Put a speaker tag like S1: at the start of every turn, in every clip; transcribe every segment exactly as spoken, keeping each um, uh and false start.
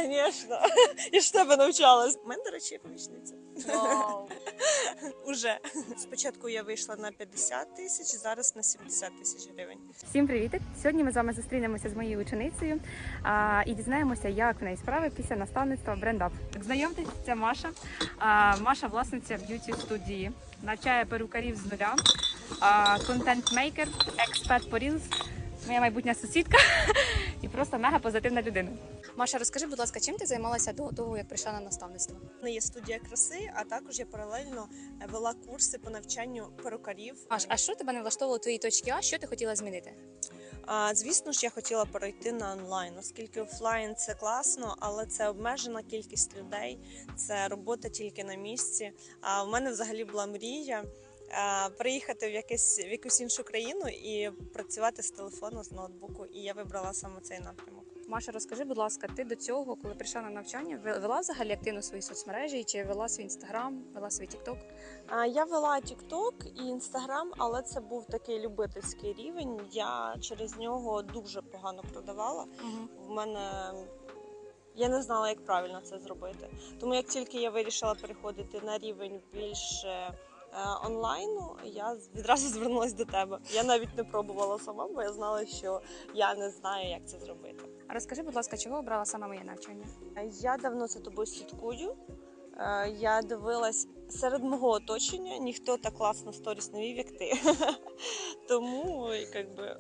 S1: Звісно, я ж в тебе навчалась. У мене, до речі, є помічниця.
S2: Вау.
S1: Уже. Спочатку я вийшла на п'ятдесят тисяч, зараз на сімдесят тисяч гривень.
S2: Всім привіт! Сьогодні ми з вами зустрінемося з моєю ученицею а, і дізнаємося, як в неї справи після наставництва BrandUp. Знайомтесь, це Маша. А, Маша власниця б'юті-студії, навчає перукарів з нуля, а, контент-мейкер, експерт по Reels, моя майбутня сусідка і просто мега позитивна людина. Маша, розкажи, будь ласка, чим ти займалася до того, як прийшла на наставництво?
S1: У мене є студія краси, а також я паралельно вела курси по навчанню перукарів.
S2: Маш, а що тебе не влаштовувало твої точки А? Що ти хотіла змінити?
S1: А, звісно ж, я хотіла перейти на онлайн, оскільки офлайн це класно, але це обмежена кількість людей, це робота тільки на місці. А в мене взагалі була мрія а, приїхати в, якесь, в якусь іншу країну і працювати з телефону, з ноутбуку. І я вибрала саме цей напрямок.
S2: Маша, розкажи, будь ласка, ти до цього, коли прийшла на навчання, вела взагалі активно свої соцмережі, чи вела свій інстаграм, вела свій тікток?
S1: Я вела TikTok і Instagram, але це був такий любительський рівень. Я через нього дуже погано продавала.
S2: Угу.
S1: В мене я не знала, як правильно це зробити. Тому як тільки я вирішила переходити на рівень більше онлайну, я відразу звернулася до тебе. Я навіть не пробувала сама, бо я знала, що я не знаю, як це зробити.
S2: А розкажи, будь ласка, чого обрала саме моє навчання?
S1: Я давно за тобою слідкую. Я дивилась серед мого оточення, ніхто так класно сторіс не вів, як ти. Тому якби,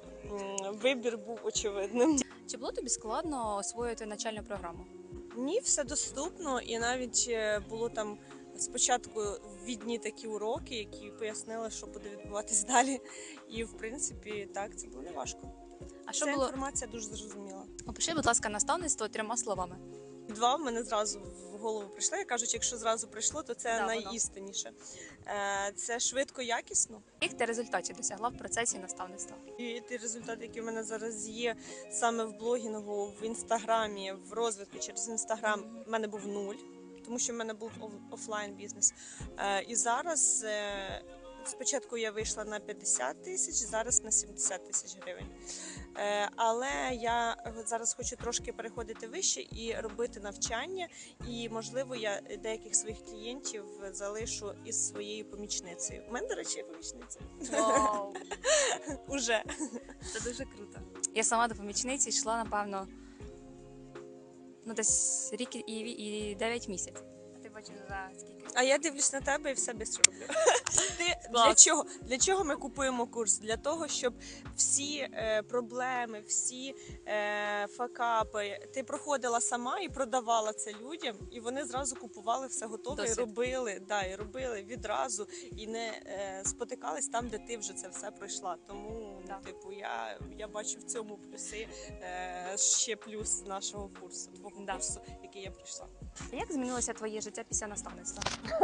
S1: вибір був очевидним.
S2: Чи було тобі складно освоїти навчальну програму?
S1: Ні, все доступно, і навіть було там спочатку ввідні такі уроки, які пояснили, що буде відбуватись далі. І в принципі, так, це було не важко.
S2: А що
S1: Ця
S2: було?
S1: Інформація дуже зрозуміла.
S2: Опиши, будь ласка, наставництво трьома словами.
S1: Два в мене зразу в голову прийшли. Я кажу, якщо зразу прийшло, то це
S2: Да,
S1: найістинніше. Е, Це швидко, якісно.
S2: Яких ти результатів досягла в процесі наставництва?
S1: І ті результати, які в мене зараз є саме в блогінгу, в інстаграмі, в розвитку через інстаграм, в мене був нуль, тому що в мене був офлайн бізнес. Е, І зараз е, спочатку я вийшла на п'ятдесят тисяч, зараз на сімдесят тисяч гривень. Е, Але я зараз хочу трошки переходити вище і робити навчання. І, можливо, я деяких своїх клієнтів залишу із своєю помічницею. У мене, до речі, є помічниця.
S2: Вау!
S1: Уже.
S2: Це дуже круто. Я сама до помічниці йшла, напевно, ну десь рік і, і дев'ять місяців. А ти бачиш за скільки?
S1: А я дивлюсь на тебе і все швидко роблю. Ти,
S2: Клас.
S1: для чого? Для чого ми купуємо курс? Для того, щоб всі е, проблеми, всі е, факапи ти проходила сама і продавала це людям, і вони зразу купували все готове
S2: Досвід.
S1: і робили, да, і робили відразу, і не е, спотикались там, де ти вже це все пройшла. Тому,
S2: Да.
S1: типу, я, я бачу в цьому плюси, е, ще плюс нашого курсу, твого
S2: Да.
S1: курсу, який я прийшла.
S2: Як змінилося твоє життя після наставництва?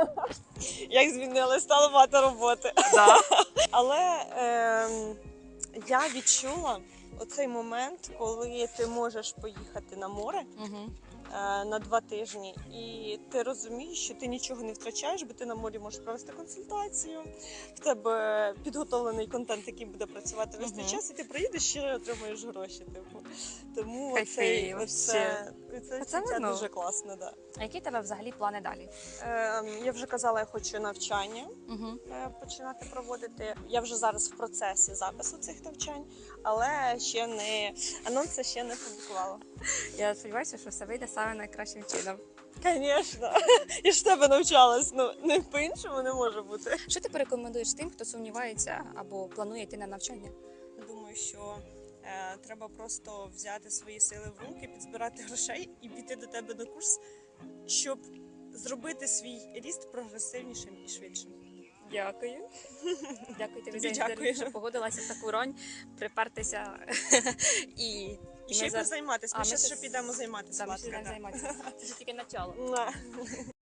S1: Як змінилось, стало багато роботи.
S2: Да.
S1: Але е, я відчула оцей момент, коли ти можеш поїхати на море
S2: Угу.
S1: е, на два тижні, і ти розумієш, що ти нічого не втрачаєш, бо ти на морі можеш провести консультацію, в тебе підготовлений контент, який буде працювати весь цей
S2: Мгм.
S1: час, і ти приїдеш ще отримуєш гроші. Типу. Тому
S2: Кайфи,
S1: цей,
S2: вообще.
S1: оце, це,
S2: Це
S1: це
S2: воно.
S1: дуже класно. Да.
S2: А які в тебе взагалі плани далі?
S1: Е, я вже казала, я хочу навчання
S2: Угу.
S1: е, починати проводити. Я вже зараз в процесі запису цих навчань, але ще не анонси ще не публікувала.
S2: Я сподіваюся, що все вийде саме найкращим чином.
S1: Звісно, я ж в тебе навчалась. Ну не по-іншому не може бути.
S2: Що ти порекомендуєш тим, хто сумнівається або планує йти на навчання?
S1: Думаю, що е, треба просто взяти свої сили в руки, підзбирати грошей і піти до тебе на курс, щоб зробити свій ріст прогресивнішим і швидшим.
S2: Дякую. Дякую тобі
S1: Тобі
S2: за інтерв'ю,
S1: дякую.
S2: що погодилася в таку роль, припертися і,
S1: І ще й
S2: ми за-
S1: позайматися.
S2: А,
S1: Ми
S2: ми
S1: зараз
S2: ще
S1: ще підемо займатися.
S2: Там ще
S1: Ласка,
S2: не
S1: да.
S2: займатися. Це ж тільки начало.
S1: Муа.